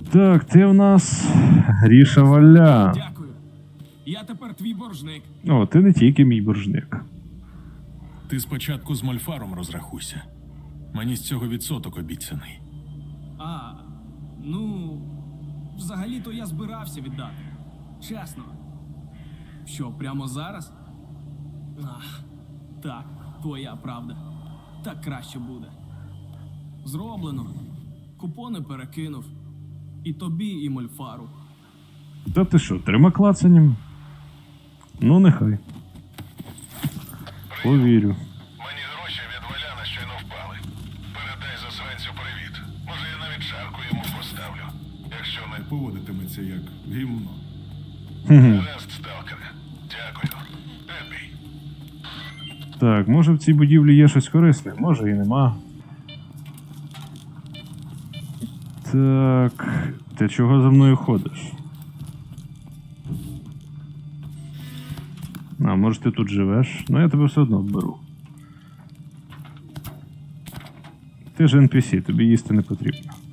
Так, ти в нас Гріша Валя. Дякую. Я тепер твій боржник. О, ти не тільки мій боржник. Ти спочатку з Мольфаром розрахуйся. Мені з цього відсоток обіцяний. А, ну, взагалі-то я збирався віддати. Чесно. Що, прямо зараз? Ах, так, твоя правда. Так краще буде. Зроблено. Купони перекинув. І тобі, і Мольфару. Та ти що, 3 клацанням? Ну, нехай. Повірю. Мені гроші від Валяна щойно впали. Передай засранцю привіт. Може, я навіть шарку йому поставлю. Якщо не Поводитиметься як гімно. гаразд, сталкере. Дякую. Епій. Так, може в цій будівлі є щось корисне, може і нема. Так, ти чого за мною ходиш? А, може ти тут живеш? Ну я тебе все одно вберу. Ти ж NPC, тобі їсти не потрібно.